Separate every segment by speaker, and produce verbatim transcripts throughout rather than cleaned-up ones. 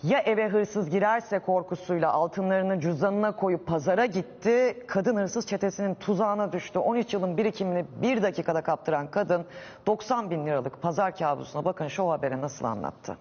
Speaker 1: Ya eve hırsız girerse korkusuyla altınlarını cüzdanına koyup pazara gitti. Kadın hırsız çetesinin tuzağına düştü. on üç yılın birikimini bir dakikada kaptıran kadın doksan bin liralık pazar kabusuna bakın Show Haber'e nasıl anlattı.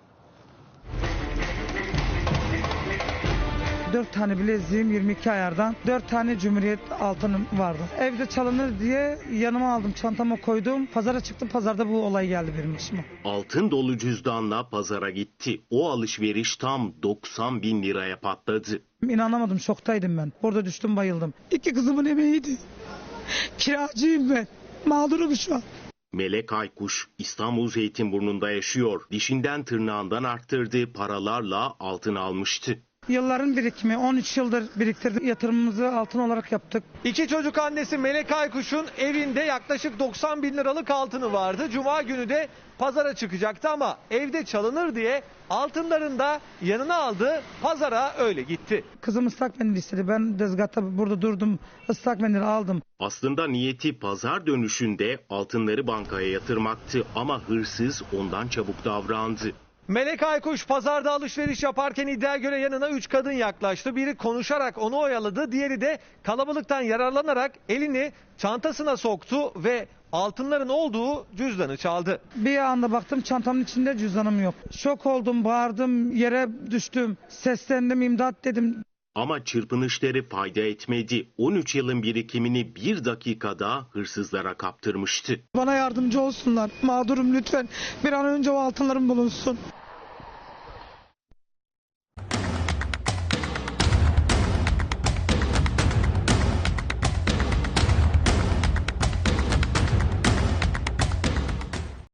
Speaker 2: Dört tane bileziğim yirmi iki ayardan, dört tane Cumhuriyet altınım vardı. Evde çalınır diye yanıma aldım, çantama koydum. Pazara çıktım, pazarda bu olay geldi benim başıma.
Speaker 3: Altın dolu cüzdanla pazara gitti. O alışveriş tam doksan bin liraya patladı.
Speaker 2: İnanamadım, şoktaydım ben. Orada düştüm, bayıldım. İki kızımın emeğiydi. Kiracıyım ben. Mağdurum şu an.
Speaker 3: Melek Aykuş İstanbul Zeytinburnu'nda yaşıyor. Dişinden tırnağından arttırdığı paralarla altın almıştı.
Speaker 2: Yılların birikimi, on üç yıldır biriktirdim. Yatırımımızı altın olarak yaptık.
Speaker 4: İki çocuk annesi Melek Aykuş'un evinde yaklaşık doksan bin liralık altını vardı. Cuma günü de pazara çıkacaktı ama evde çalınır diye altınlarını da yanına aldı. Pazara öyle gitti.
Speaker 2: Kızım ıslak mendil istedi. Ben tezgahta burada durdum. Islak mendil aldım.
Speaker 3: Aslında niyeti pazar dönüşünde altınları bankaya yatırmaktı ama hırsız ondan çabuk davrandı.
Speaker 4: Melek Aykuş pazarda alışveriş yaparken iddiaya göre yanına üç kadın yaklaştı. Biri konuşarak onu oyaladı, diğeri de kalabalıktan yararlanarak elini çantasına soktu ve altınların olduğu cüzdanı çaldı.
Speaker 2: Bir anda baktım, çantamın içinde cüzdanım yok. Şok oldum, bağırdım, yere düştüm, seslendim, imdat dedim.
Speaker 3: Ama çırpınışları fayda etmedi. on üç yılın birikimini bir dakikada hırsızlara kaptırmıştı.
Speaker 2: Bana yardımcı olsunlar. Mağdurum, lütfen. Bir an önce o altınlarım bulunsun.